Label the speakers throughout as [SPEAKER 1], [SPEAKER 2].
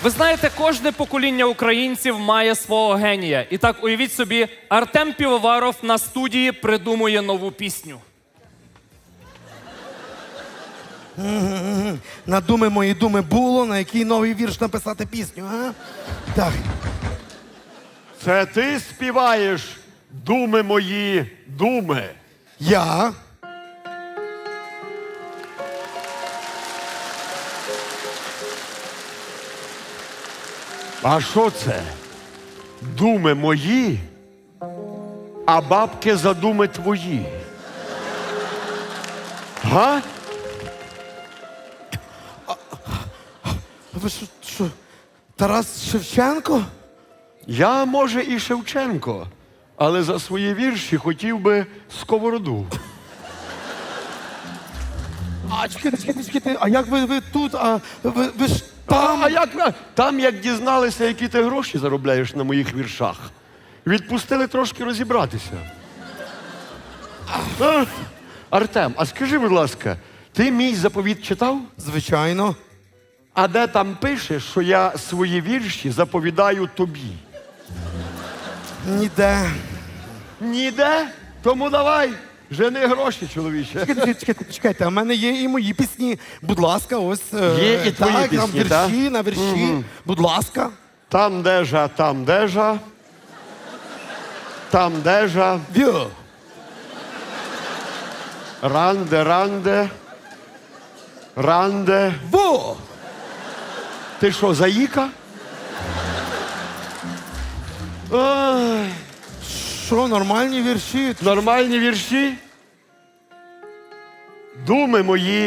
[SPEAKER 1] Ви знаєте, кожне покоління українців має свого генія. І так, уявіть собі, Артем Півоваров на студії придумує нову пісню.
[SPEAKER 2] На думи мої думи було, на який новий вірш написати пісню, а? Так.
[SPEAKER 3] Це ти співаєш думи мої, думи.
[SPEAKER 2] Я.
[SPEAKER 3] А що це? Думи мої, а бабки за думи твої. Га?
[SPEAKER 2] Ви що, Тарас Шевченко?
[SPEAKER 3] Я, може, і Шевченко, але за свої вірші хотів би сковороду.
[SPEAKER 2] А, чекайте, а як ви тут? А ви ж там?
[SPEAKER 3] А як? Там, як дізналися, які ти гроші заробляєш на моїх віршах, відпустили трошки розібратися. Артем, а скажи, будь ласка, ти мій заповіт читав?
[SPEAKER 2] Звичайно.
[SPEAKER 3] А де там пише, що я свої вірші заповідаю тобі?
[SPEAKER 2] Ніде.
[SPEAKER 3] Ніде? Тому давай, жени гроші, чоловіче.
[SPEAKER 2] Чекайте, а в мене є і мої пісні. Будь ласка, ось.
[SPEAKER 3] Є і твої
[SPEAKER 2] так,
[SPEAKER 3] пісні,
[SPEAKER 2] там
[SPEAKER 3] так?
[SPEAKER 2] вірші, на вірші. Будь ласка.
[SPEAKER 3] Там дежа, там дежа. Там дежа.
[SPEAKER 2] Вю.
[SPEAKER 3] Ранде, ранде. Ранде.
[SPEAKER 2] Во!
[SPEAKER 3] Ти що, заїка? Ой,
[SPEAKER 2] Що, нормальні вірші?
[SPEAKER 3] нормальні вірші? Думи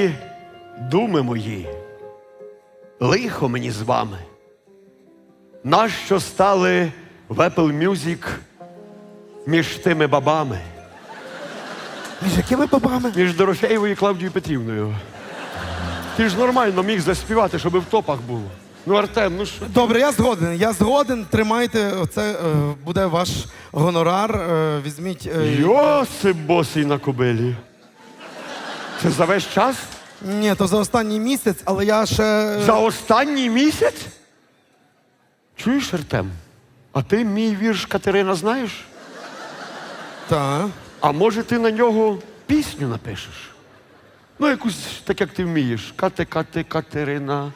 [SPEAKER 3] мої, лихо мені з вами. Нащо стали в Apple Music між тими бабами?
[SPEAKER 2] Між якими бабами?
[SPEAKER 3] Між Дорофєєвою і Клавдією Петрівною. Ти ж нормально міг заспівати, щоб в топах було. Ну, Артем, ну що?
[SPEAKER 2] Добре, я згоден. Тримайте, це буде ваш гонорар. Візьміть.
[SPEAKER 3] Йосип босий на кобилі. Це за весь час?
[SPEAKER 2] Ні, то за останній місяць, але я ще.
[SPEAKER 3] За останній місяць? Чуєш, Артем? А ти мій вірш Катерина знаєш?
[SPEAKER 2] Так.
[SPEAKER 3] А може ти на нього пісню напишеш? Ну, якусь так, як ти вмієш. Катерина.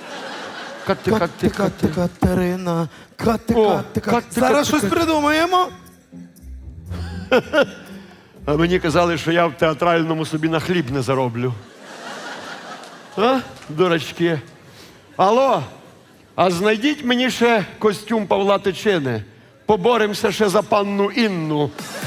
[SPEAKER 2] Катерина.
[SPEAKER 3] О,
[SPEAKER 2] Зараз щось придумаємо.
[SPEAKER 3] А мені казали, що я в театральному собі на хліб не зароблю. А, дурачки? Алло, а знайдіть мені ще костюм Павла Тичини. Поборемося ще за панну Інну.